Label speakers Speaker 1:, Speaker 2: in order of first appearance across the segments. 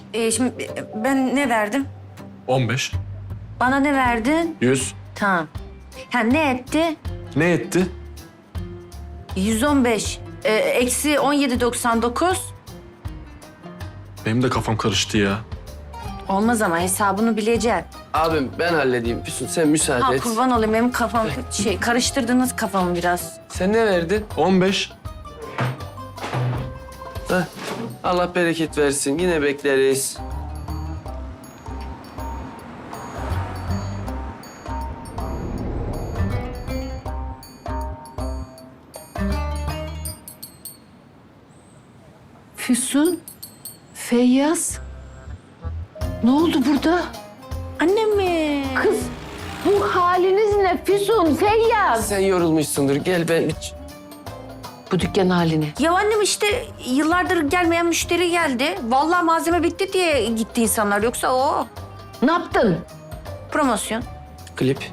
Speaker 1: Şimdi ben ne verdim?
Speaker 2: 15.
Speaker 1: Bana ne verdin?
Speaker 2: 100.
Speaker 1: Tamam. Ha ne etti?
Speaker 2: Ne etti?
Speaker 1: 115. Eksi 17,99.
Speaker 2: Benim de kafam karıştı ya.
Speaker 1: Olmaz ama hesabını bileceksin.
Speaker 3: Abim ben halledeyim. Füsun sen müsaade
Speaker 1: Ha
Speaker 3: et.
Speaker 1: kurban olayım benim kafam karıştırdınız kafamı biraz.
Speaker 3: Sen ne verdin?
Speaker 2: 15.
Speaker 3: Heh. Allah bereket versin. Yine bekleriz.
Speaker 4: Füsun, Feyyaz. Ne oldu burada?
Speaker 1: Annem mi?
Speaker 4: Kız, bu haliniz ne Füsun, Feyyaz?
Speaker 3: Sen yorulmuşsundur. Gel ben...
Speaker 4: Bu dükkan halini.
Speaker 1: Ya annem işte yıllardır gelmeyen müşteri geldi. Vallahi malzeme bitti diye gitti insanlar. Yoksa o
Speaker 4: Ne yaptın?
Speaker 1: promosyon.
Speaker 3: Klip.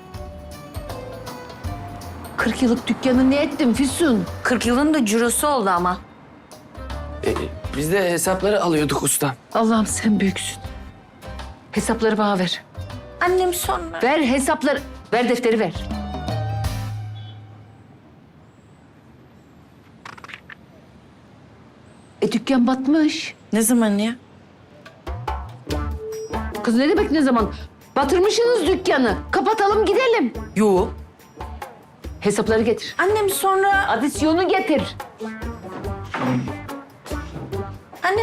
Speaker 4: 40 yıllık dükkanı ne ettin Füsun?
Speaker 1: 40 yılın da cirosu oldu ama.
Speaker 3: Biz de hesapları alıyorduk ustam.
Speaker 4: Allah'ım sen büyüksün. Hesapları bana ver.
Speaker 1: Annem sonra.
Speaker 4: Ver hesapları. Ver defteri ver. Dükkan batmış.
Speaker 1: Ne zaman ya?
Speaker 4: Kız ne demek ne zaman? Batırmışsınız dükkanı. Kapatalım gidelim.
Speaker 1: Yo.
Speaker 4: Hesapları getir.
Speaker 1: Annem sonra.
Speaker 4: Adisyonu getir.
Speaker 1: Annem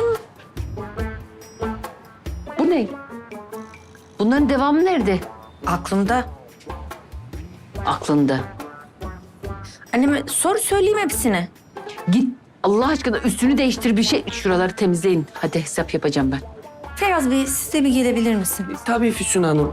Speaker 4: Bu ne? Bunların devamı nerede?
Speaker 1: aklımda.
Speaker 4: Aklında.
Speaker 1: Anneme sor söyleyeyim hepsini.
Speaker 4: Git Allah aşkına üstünü değiştir bir şey. Şuraları temizleyin. Hadi hesap yapacağım ben.
Speaker 1: Feyyaz Bey siz de bir gelebilir misiniz?
Speaker 3: Tabii Füsun Hanım.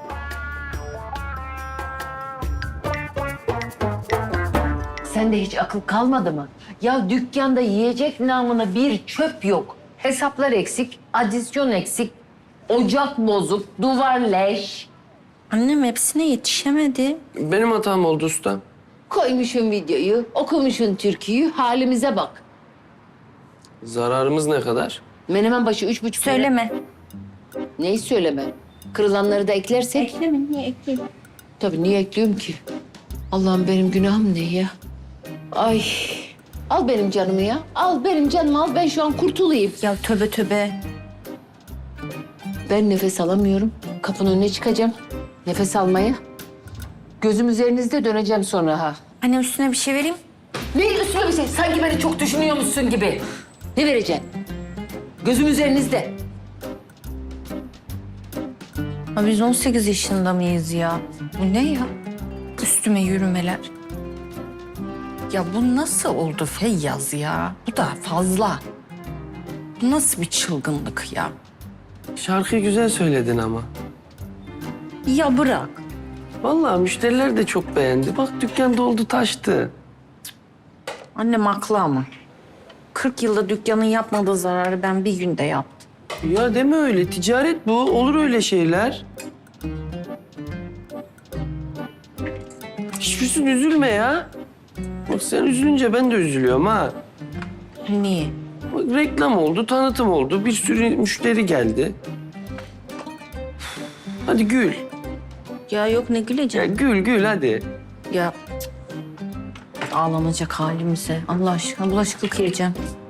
Speaker 4: Sende hiç akıl kalmadı mı? Ya dükkanda yiyecek namına bir çöp yok. Hesaplar eksik, adisyon eksik, ocak bozuk, duvar leş.
Speaker 1: Annem hepsine yetişemedi.
Speaker 3: Benim hatam oldu ustam.
Speaker 4: Koymuşsun videoyu, okumuşsun türküyü, halimize bak.
Speaker 3: Zararımız ne kadar?
Speaker 4: Menemen başı 3,5 lira.
Speaker 1: Söyleme.
Speaker 4: Neyi söyleme? Kırılanları da eklersek.
Speaker 1: Ekleme niye ekleyeyim?
Speaker 4: Tabii niye ekliyorum ki? Allah'ım benim günahım ne ya? Ay. Al benim canımı ya. Al benim canımı al. Ben şu an kurtulayım.
Speaker 1: Ya tövbe tövbe.
Speaker 4: Ben nefes alamıyorum. Kapının önüne çıkacağım. Nefes almaya. Gözüm üzerinizde döneceğim sonra ha.
Speaker 1: Annem üstüne bir şey vereyim.
Speaker 4: Neyin üstüne bir şey? Sanki beni çok düşünüyormuşsun gibi. Ne vereceksin? Gözüm üzerinizde.
Speaker 1: Ha, biz 18 yaşında mıyız ya? Bu ne ya? Üstüme yürümeler. Ya bu nasıl oldu Feyyaz ya? Bu da fazla. Bu nasıl bir çılgınlık ya?
Speaker 3: Şarkıyı güzel söyledin ama.
Speaker 1: Ya bırak.
Speaker 3: Vallahi müşteriler de çok beğendi. Bak dükkan doldu taştı.
Speaker 1: Annem haklı ama. 40 yılda dükkanın yapmadığı zararı ben bir günde yaptım.
Speaker 3: Ya deme öyle. Ticaret bu. Olur öyle şeyler. Hiçbirsin üzülme ya. Bak sen üzülünce ben de üzülüyorum ha.
Speaker 1: Niye?
Speaker 3: Bak, reklam oldu, tanıtım oldu. Bir sürü müşteri geldi. Hadi gül.
Speaker 1: Ya yok ne
Speaker 3: Ya
Speaker 1: güleceğim?
Speaker 3: gül gül hadi.
Speaker 1: Ya cık, ağlanacak halimize. Allah aşkına bulaşıklık yiyeceğim.